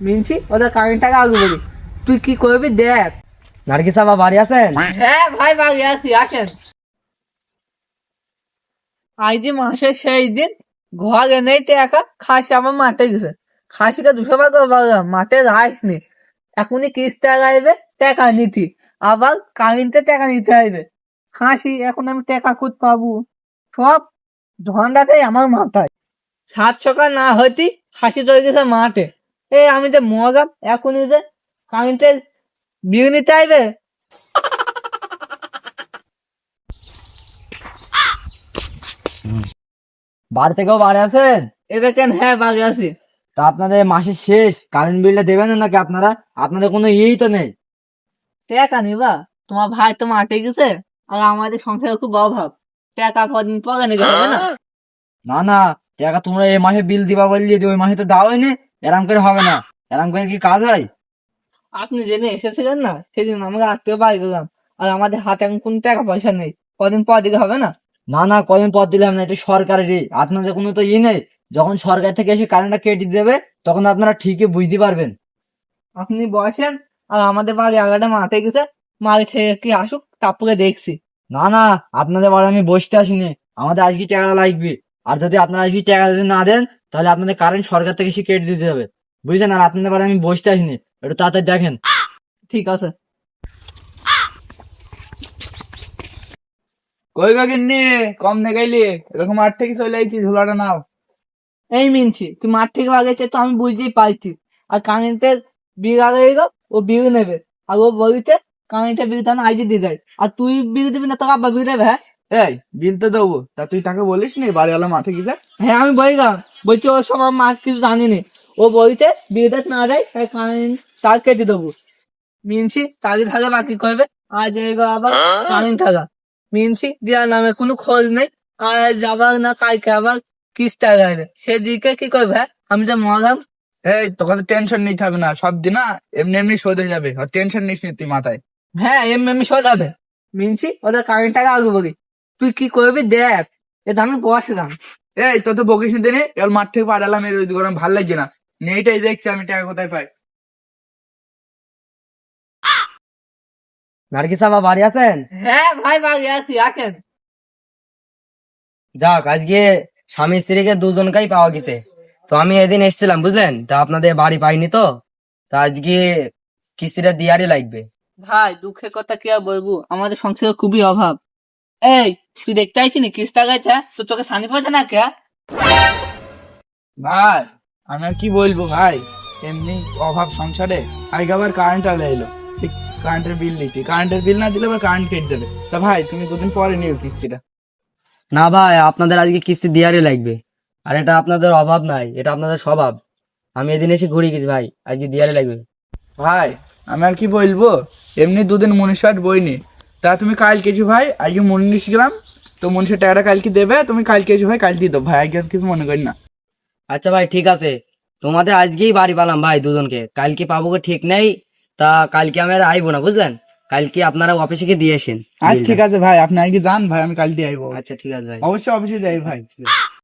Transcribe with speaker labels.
Speaker 1: মিনছি ওদের কারেন্ট টাকা আগে বলি, তুই কি করবি দেখ।
Speaker 2: নার্গিস আপা বাড়ি আছেন?
Speaker 1: হ্যাঁ ভাই বাড়ি আসি, আসেন। আজ যে মাসের সেই দিন ঘর এনে টাকা খাসি আমার মাঠে গেছে, খাসিকে 200 টাকা বললাম মাঠে যাসনি, এখনই কিস্তি আগাইবে টাকা নিতি, আবার কারেন্টে টাকা নিতে হবে। খাসি এখন আমি টাকা খুঁজ পাবো, সব ঝন্ডাটাই আমার মাথায়। 7 সকাল না হইতি খাসি চলে গেছে মাঠে। এই আমি যে মগাম এখনই যে কারেন্টের বিল নিতে আইবে।
Speaker 2: বাড়ি থেকেও বাড়ি আছেন?
Speaker 1: এ দেখেন, হ্যাঁ বাড়ি আছি।
Speaker 2: তা আপনাদের মাসের শেষ কারেন্ট বিলটা দেবেন না নাকি আপনারা? আপনাদের কোনো ইয়েই তো নেই।
Speaker 1: টাকা নিবা? তোমার ভাই তো মাঠে গেছে, আর আমাদের সংসারে খুব অভাব, টাকা কদিন পরে নিতে হবে না?
Speaker 2: না না, টাকা তোমরা এই মাসে বিল দিবা বললি, ওই মাসে তো দাওই নি। এরম করে হবে না, এরম করে কি কাজ হয়?
Speaker 1: আপনি জেনে এসেছিলেন না সেদিন, আমরা আত্মীয় বাড়ি গেলাম, আর আমাদের হাতে এখন কোন টাকা পয়সা নেই, কদিন পর দিকে হবে না?
Speaker 2: না না, কদিন পর দিলাম না, এটা সরকারেরই, আপনাদের কোনো তো ই নেই। যখন সরকার থেকে এসে কারেন্টটা কেটে দেবে তখন আপনারা ঠিকই বুঝতে পারবেন।
Speaker 1: আপনি বসেন, আর আমাদের বাড়ি আগাটা মাঠে গেছে, মাল খেয়ে কি আসুক তারপরে দেখছি।
Speaker 2: না না, আপনাদের বাড়ি আমি বসতে আসিনি, আমাদের আজকে টাকা লাগবে। আর যদি আপনারা আজকে টাকা যদি না দেন তাহলে আপনাদের কারেন্ট সরকার থেকে এসে কেটে দিতে হবে, বুঝছেন? আর আপনাদের বাড়ি আমি বসতে আসিনি, একটু তাড়াতাড়ি দেখেন।
Speaker 1: ঠিক আছে।
Speaker 3: কই গো গিন্নি, কম নে গেলি? এরকম মাঠ থেকে চলে আইছি, ঝোলাটা নাও।
Speaker 1: এই মিনছি, তুই মাঠ থেকে বাগেছে তো আমি বুঝতেই পারছি, আর কারেন্টের বিল আগে গেল, ও বিল নেবে, আর ও বলছে কারেন্টের বিল তো আইজি দিয়ে দেয়, আর তুই বিল দিবি না, তোকে আব্বা বিল দেবে? হ্যাঁ
Speaker 3: এই বিল তো দেবো, তা তুই তাকে বলিস নি বাড়িওয়ালা মাঠে গেছে?
Speaker 1: হ্যাঁ আমি বললাম, বলছি ও সব মাছ কিছু জানিনি, ও বলছে বিলটা না দেয় তাই কারেন্ট তার কেটে দেবো। মিনছি তাদের থাকা বাকি করবে, আজ এগো আবার কারেন্ট থাকা, মিনছি দেওয়ার নামে কোনো খোঁজ নেই, আর যাবার না কালকে আবার কিস্তি আগাবে, সেদিকে কি করবে? হ্যাঁ আমি যে মরাম।
Speaker 3: এই তোকে তো টেনশন নিতে হবে না, সব দিন না এমনি এমনি শোধ হয়ে যাবে, আর টেনশন নিস নি তুই মাথায়।
Speaker 1: হ্যাঁ এমনি সোজাবে। মিনছি ওদের কারেন্ট টাকা আগে বলি, তুই কি করবি দেখ, এটা আমি বসলাম।
Speaker 3: এই তো তো বকিস নি দিনে, এবার মাঠ থেকে পাঠালাম, এর ওই গরম ভাল লাগছে না, নেইটাই দেখছি আমি টাকা কোথায় পাই।
Speaker 2: নার্গিস আপা বাড়ি আছেন?
Speaker 1: হ্যাঁ ভাই বাড়ি আছি, আসেন।
Speaker 2: যাক, আজকে স্বামী স্ত্রীকে দুজনকেই পাওয়া গেছে। তো আমি এদিন এসেছিলাম বুঝলেন, তা আপনাদের বাড়ি পাইনি, তো তা আজকে কিস্তিটা দিয়ারই লাগবে।
Speaker 1: ভাই দুঃখের কথা কি আর বলবো, আমাদের সংসারে খুবই অভাব। এই তুই দেখতে আইছিস কিস্তা গেছে, তোর চোখে সানি পড়ছে না কে?
Speaker 3: ভাই আমি আর কি বলবো ভাই, এমনি অভাব সংসারে। আগে আবার কারেন্ট আলো এলো, কারেন্টের বিল দিতে, কারেন্টের বিল না দিলে আবার কারেন্ট কেটে দেবে। তা ভাই তুমি দুদিন পরে নিও কিস্তিটা।
Speaker 2: না ভাই, আপনাদের আজকে কিস্তি দিয়ারই লাগবে, আর এটা আপনাদের অভাব নাই, এটা আপনাদের স্বভাব। আমি এদিন এসে ঘুরে গেছি ভাই, আজকে দিয়ারই লাগবে।
Speaker 3: ভাই আমি আর কি বলবো, এমনি দুদিন মনীষাট বইনি, তা তুমি কালকে এসো ভাই, আজকে মনীষ গেলাম, তো মনীষের টাকাটা কালকে দেবে, তুমি কালকে এসো ভাই, কাল দিয়ে দেবো ভাই, আজকে আর কিছু মনে করি না।
Speaker 2: আচ্ছা ভাই ঠিক আছে, তোমাদের আজকেই বাড়ি পালাম ভাই দুজনকে, কালকে পাবো কি ঠিক নেই। তা কালকে আমি আর আইবো না বুঝলেন, কালকে আপনারা অফিসে গিয়ে দিয়ে আসেন
Speaker 3: আচ্ছা ঠিক আছে ভাই, আপনি আজকে যান ভাই, আমি কাল দিয়ে আইবো।
Speaker 2: আচ্ছা ঠিক আছে ভাই।
Speaker 3: অবশ্যই অফিসে যাই ভাই, ঠিক আছে।